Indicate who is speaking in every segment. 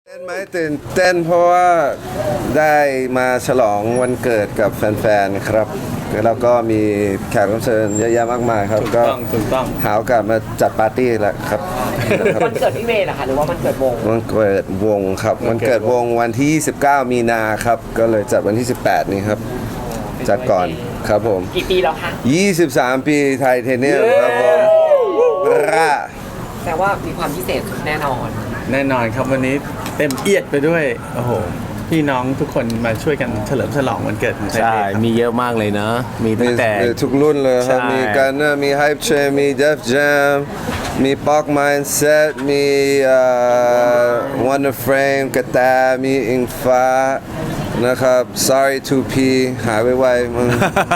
Speaker 1: เต้นไหมตื่นเต้นเพราะว่าได้มาฉลองวันเกิดกับแฟนๆครับแล้วก็มีแขกรับเชิญเยอะแยะมากมายครับก็
Speaker 2: ถูกต้อง
Speaker 1: หาโอกาสมาจัดปาร์ตี้แหละครับ
Speaker 3: วันเกิดพี่เมย์เหรอคะหรือว่าวันเกิดวง
Speaker 1: วันเกิดวงครับวันเกิดวงวันที่29มีนาครับก็เลยจัดวันที่18นี้ครับจัดก่อนครับผม
Speaker 3: กี่ปีแล้วคะ
Speaker 1: 23 ปีไทเทเนียมครับผม
Speaker 3: แต่ว่ามีความพิเศษแน่นอน
Speaker 2: ครับวันนี้เต็มเอียดไปด้วยโอ้โหพี่น้องทุกคนมาช่วยกันเฉลิมฉลองวันเกิดของไทย
Speaker 4: ใช่มีเยอะมากเลยนะมีตั้งแต่
Speaker 1: ทุกรุ่นเลยครับ
Speaker 4: ใช่
Speaker 1: มีกันเนอร์มีไฮป์เชนมีเดฟแจมมีป๊อกมายน์เซตมีวันเดอร์เฟรมกระแตมีอิงฟ้านะครับ sorry 2P หายไวๆมึง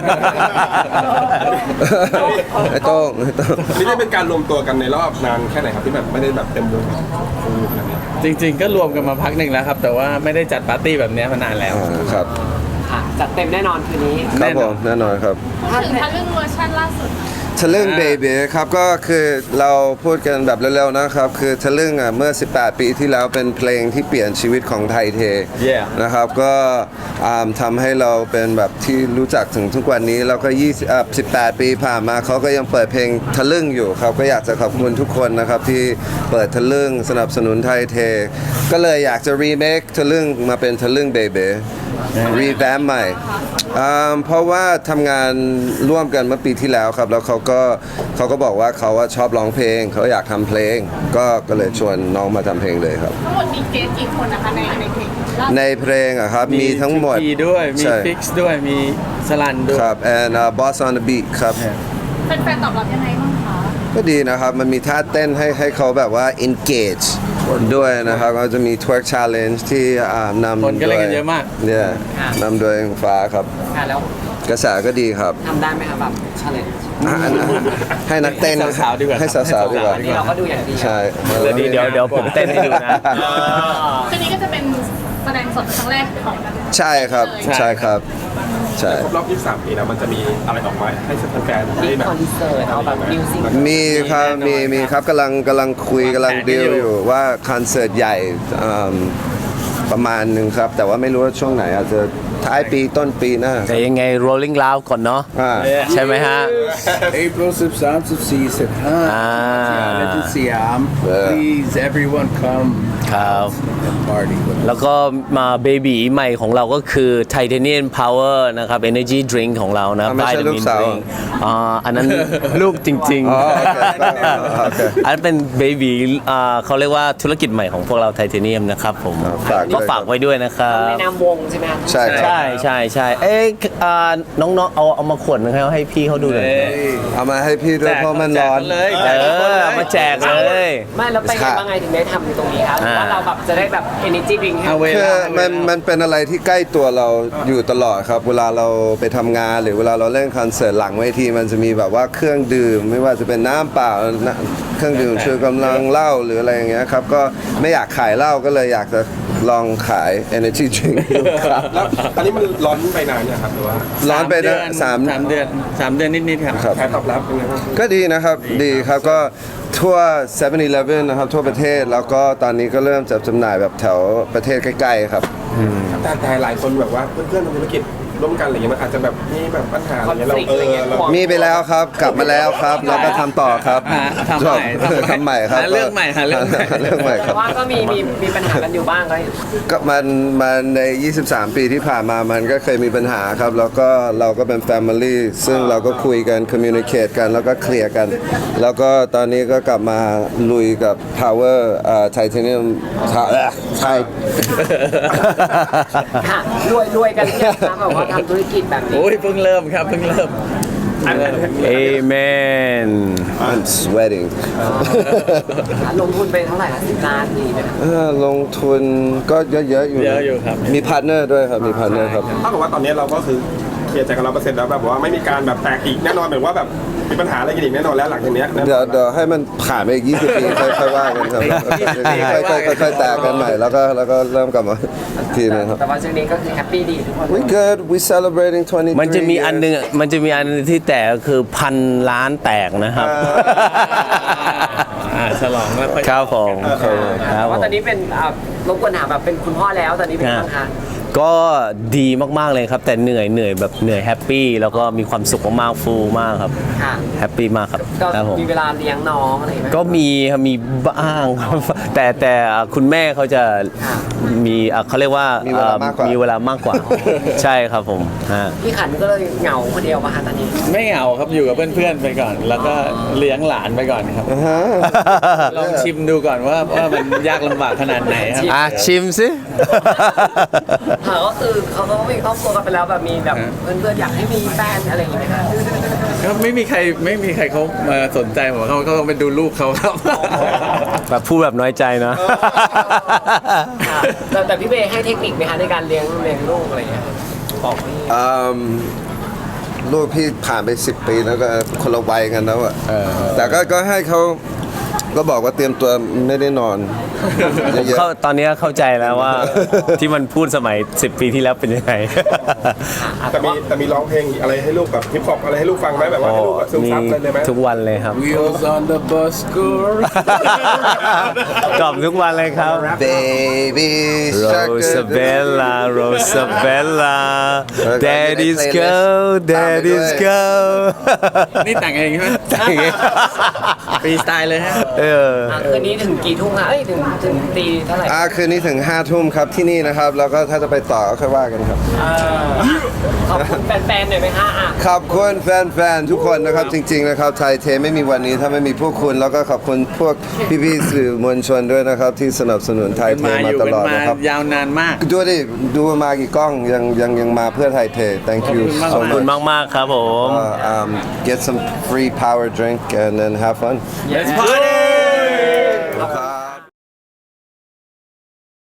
Speaker 1: ไอ้โต้ง
Speaker 5: นี่ได้เป็นการรวมตัวกันในรอบนานแค่ไหนครับที่แบบไม่ได้แบบเต็มวงแบบนี้
Speaker 2: จริงๆก็รวมกันมาพักหนึ่งแล้วครับแต่ว่าไม่ได้จัดปาร์ตี้แบบนี้มานานแล้ว
Speaker 1: ครับ
Speaker 3: ค่ะจัดเต็มแน่นอนคืนนี้
Speaker 1: ครับผมแน่นอนครับ
Speaker 6: พูดถึงทะลึ่งเวอร์ชันล่าสุด
Speaker 1: ทะลึ่งเบบีครับก็คือเราพูดกันแบบเร็วๆนะครับคือทะลึ่งอ่ะเมื่อ18 ปีที่แล้วเป็นเพลงที่เปลี่ยนชีวิตของไทยเทนะครับก็ทำให้เราเป็นแบบที่รู้จักถึงทุกวันนี้แล้วก็18 ปีผ่านมาเขาก็ยังเปิดเพลงทะลึ่งอยู่ครับก็อยากจะขอบคุณทุกคนนะครับที่เปิดทะลึ่งสนับสนุนไทยเทก็เลยอยากจะรีเมคทะลึ่งมาเป็นทะลึ่งเบบีรีแวมใหม่เพราะว่าทำงานร่วมกันเมื่อปีที่แล้วครับแล้วเขาก็บอกว่าเขาชอบร้องเพลงเขาอยากทำเพลงก็เลยชวนน้องมาทำเพลงเลยครับ
Speaker 6: ทั้งหมดมีเกสกี่คนนะคะในเพลง
Speaker 1: ในเพลงอะครับมีทั้งหมด
Speaker 2: มีด้วยมีฟิกซ์ด้วยมีสลันด้วย
Speaker 1: ครับ and Boss on the Beat ครับ
Speaker 6: แฟนๆตอบรับยังไงบ้างคะ
Speaker 1: ก็ดีนะครับมันมีท่าเต้นให้เขาแบบว่า engage ด้วยนะครับก็จะมี twerk challenge ที่นำ
Speaker 2: คนก็เล่นกันเยอะมาก
Speaker 1: เนี่ยนำโดยฟ้าครับ
Speaker 3: แล้ว
Speaker 1: กระแสก็ดีครับ
Speaker 3: ทำได้ไหมครับแบบ challenge
Speaker 1: ให้นักเต้น
Speaker 2: สาวๆดีกว่า
Speaker 1: ให้สาวๆดีกว่า
Speaker 3: นี่เราก็ดูอย่างดี
Speaker 1: ใช่
Speaker 4: เดี๋ยวผมเต้นให้ดูนะ
Speaker 6: คืนนี้ก็จะเป็นแสดงสดครั้งแรกของ
Speaker 1: ใช่ครับใช่ครับใช่
Speaker 5: ครบรอบ23 ปีแล้วมันจะมีอะไรออกมาให้แฟนๆได้แบบ
Speaker 3: คอนเสิร์ตเอาแบบมิวสิก
Speaker 1: มีครับมีครับกำลังคุยกำลังดีลอยู่ว่าคอนเสิร์ตใหญ่ประมาณหนึ่งครับแต่ว่าไม่รู้ว่าช่วงไหนอาจจะท้ายปีต้นปีหน้า
Speaker 4: แต่ยังไง rolling loud ก่อนเนาะใช่ไหมฮะ
Speaker 7: April 13, 14, 15และที่สยาม please everyone come
Speaker 4: ครับ
Speaker 7: and party
Speaker 4: แล้วก็มาเบบีใหม่ของเราก็คือ Titanium Power นะครับ Energy Drink ของเรานะ
Speaker 1: ไม่ใช่ลูกสาว
Speaker 4: อันนั้นลูกจริงๆอันนั้นเป็นเบบีเขาเรียกว่าธุรกิจใหม่ของพวกเรา Titanium นะครับผมก็ฝากไว้ด้วยนะครับ
Speaker 3: ในนามวงใช่ไหมครับ
Speaker 1: ใช่
Speaker 4: เอ๊ะน้องๆเอามาขวดนึงให้พี่เขาดูเลย
Speaker 1: เอามาให้พี่ด้วยเพราะมันร้อน
Speaker 4: เอามาแจกเลย
Speaker 3: ไม่แล้วไปยังไงถึงได้ทำในตรงนี้ครับว่าเราแบบจะได้แบบ energy drink
Speaker 1: คือมันเป็นอะไรที่ใกล้ตัวเราอยู่ตลอดครับเวลาเราไปทำงานหรือเวลาเราเล่นคอนเสิร์ตหลังเวทีมันจะมีแบบว่าเครื่องดื่มไม่ว่าจะเป็นน้ำเปล่าเครื่องดื่มชูกำลังเหล้าหรืออะไรอย่างเงี้ยครับก็ไม่อยากขายเหล้าก็เลยอยากจะลองขาย energy drink
Speaker 5: แล้วตอนนี้มันร้อนไปนานเนี่ยครับหรือว่า
Speaker 1: ร้อนไปนะ
Speaker 2: 3 เดือนนิดๆครับ
Speaker 5: แค่ตอบรับเป็นไงบ้าง
Speaker 1: ก็ดีนะครับดีครับก็ทั่ว 7-Eleven นะครับทั่วประเทศแล้วก็ตอนนี้ก็เริ่มจัดจำหน่ายแบบแถวประเทศใกล้ๆครับ
Speaker 5: แต่หลายคนแบบว่าเพื่อนๆทำธุรกิจร่วมกันอะไรเงี้ยมันอาจจะแบบมีแบบปัญหาอะไรเงี้ยเรา
Speaker 1: มีไปแล้วครับกลับมาแล้วครับแล้วก็ทำต่อครับ
Speaker 2: ทำ
Speaker 1: ใหม่ครับ
Speaker 2: เรื่องใหม่
Speaker 1: ครับ
Speaker 3: ว่าก็มีปัญหากันอยู่บ้าง
Speaker 1: ก็มันใน23 ปีที่ผ่านมามันก็เคยมีปัญหาครับแล้วก็เราก็เป็น Family ซึ่งเราก็คุยกัน communicate กันแล้วก็เคลียร์กันแล้วก็ตอนนี้ก็กลับมาลุยกับ Power Titanium ใช่
Speaker 3: ค่ะรวยกันเนี่ยนะแบบว่าทำธุรกิจแบบนี้
Speaker 2: โอ้ยเพิ่งเริ่มครับเพิ่งเริ่ม
Speaker 4: Amen
Speaker 1: I'm sweating
Speaker 3: ลงทุนไปเท่าไหร่ละ10 ล้านดีไหม
Speaker 1: ลงทุนก็เยอะอยู่
Speaker 2: ครับ
Speaker 1: มีพาร์ทเนอร์ด้วยครับมีพาร์ทเนอร์ครับ
Speaker 5: ถ้าเกิดว่าตอนนี้เราก็คือเคลียร์ใจกัน100%แล้วแบบว่าไม่มีการแบบแตกอีกแน่นอนเหมือนว่าแบบมีปัญหาอะไรกันอีกแน่นอนแล้วหลังจากนี้
Speaker 1: เดี๋ยวให้มันผ่านไปอีก20 ปีค่อยว่ากันครับค่อยแตกกันใหม่แล้วก็เริ่มกลับมาทีนึงครับ
Speaker 3: แต่ว่าช่วงนี้ก็คือแฮปปี้ดีทุกคน
Speaker 1: We good we celebrating 23
Speaker 4: มันจะมีอันนึงที่แตกคือ1,000 ล้านแตกนะครับ
Speaker 2: ฉลองแล้วค่อย
Speaker 4: ครับผมครับผ
Speaker 3: ว่าม ตอนนี้เป็นรบกวนถามแบบเป็นคุณพ่อแล้วตอนนี้เป็นยังไงคะ
Speaker 4: ก็ดีมากๆเลยครับ แต่เหนื่อยแบบเหนื่อยแฮปปี้แล้วก็มีความสุขมากๆฟูลมากครับ
Speaker 3: ค่ะ
Speaker 4: แฮปปี้มากครับ
Speaker 3: ก็
Speaker 4: ครับผม
Speaker 3: มีเวลาเลี้ยงน้องอะไรไหม
Speaker 4: ก็มีครับมีบ้างครับ แต่คุณแม่เขาจะมีเขาเรียกว่า
Speaker 1: มีเวลามากกว่า
Speaker 4: มีเวลามากกว่า ใช่ครับผมฮะ
Speaker 3: พี่ขันก็เลยเหงาคนเดียวมาคะตอนนี้
Speaker 2: ไม่เหงาครับอยู่กับเพื่อนๆไปก่อน แล้วก็เลี้ยงหลานไปก่อนครับ ลองชิมดูก่อนว่ามันยากลำบากขนาดไหนครับ
Speaker 4: อ่ะชิมสิ
Speaker 3: ค่ะก็คือเขาก็มีครอบครัวกันไปแล้วแบบมีแบบเพื่อนๆอยากให้มีแฟนอะไรอย่างเงี้ยค่ะ
Speaker 2: ก็ไม่มีใครเขามาสนใจผมเขาก็ไปดูลูกเขาครับ
Speaker 4: แบบพูดแบบน้อยใจนะ
Speaker 3: ค่ะแต่พี่เบย์ให้เทคนิคไหมคะในการเลี้ยงลูกอะไรอย่างเงี้ยบอกพี่
Speaker 1: ลูกพี่ผ่านไป 10 ปีแล้วก็คนละวัยกันแล้วอะแต่ก็ให้เขาก็บอกว่าเตรียมตัวไม่ได้นอนเยอะ
Speaker 4: ตอนนี้เข้าใจแล้วว่า ที่มันพูดสมัย 10 ปีที่แล้วเป็นยังไง
Speaker 5: แต่มีร้องเพลงอะไรให้ลูกแบบฮิปฮอปอะไรให้ลูกฟังไหมแบบว่าให้ลูกแบบซึมซับเลยไหม
Speaker 4: ทุกวันเลยครับ
Speaker 7: Wheels on the bus go
Speaker 4: กล่อมทุกวันเลยครับ
Speaker 1: ๆ Baby Shark
Speaker 4: Rosabella Rosabella
Speaker 1: แล้วก็
Speaker 4: Daddy's
Speaker 1: อยู่ใน
Speaker 4: girl
Speaker 1: playlist
Speaker 4: Daddy's
Speaker 1: ตามไปด้วย
Speaker 4: girl
Speaker 2: นี่แต่งเองใช่ไหม
Speaker 4: แต่งเอง
Speaker 2: ฟรีสไตล์เลยฮะ
Speaker 3: คืนนี้ถึงกี่ทุ่มคะเอ้ยถึงตีเท่าไหร่
Speaker 1: คืนนี้ถึง 5 ทุ่มครับที่นี่นะครับ แล้วก็ถ้าจะไปต่อก็ค่อยว่ากันครับ
Speaker 3: ขอบคุณแฟนๆหน่อยไหมคะอ่ะ
Speaker 1: ขอบคุณแฟนๆ ทุกคนนะครับ จริง ๆ นะครับไทยเทไม่มีวันนี้ถ้าไม่มีพวกคุณ แล้วก็ขอบคุณพวกพี่ๆสื่อมวลชนด้วยนะครับ ที่สนับสนุนไทยเท
Speaker 2: มาอ
Speaker 1: มา
Speaker 2: ยู่
Speaker 1: ต
Speaker 2: กัน
Speaker 1: ลอด
Speaker 2: มา
Speaker 1: นะครับ
Speaker 2: ยาวนานมาก
Speaker 1: ดูดิดูมากี่กล้องยังมาเพื่อไทยเท thank you
Speaker 2: ขอบ
Speaker 1: so
Speaker 2: คุณ
Speaker 1: much
Speaker 4: มากๆครับผม
Speaker 1: get some free power drink and then have fun
Speaker 2: Let's party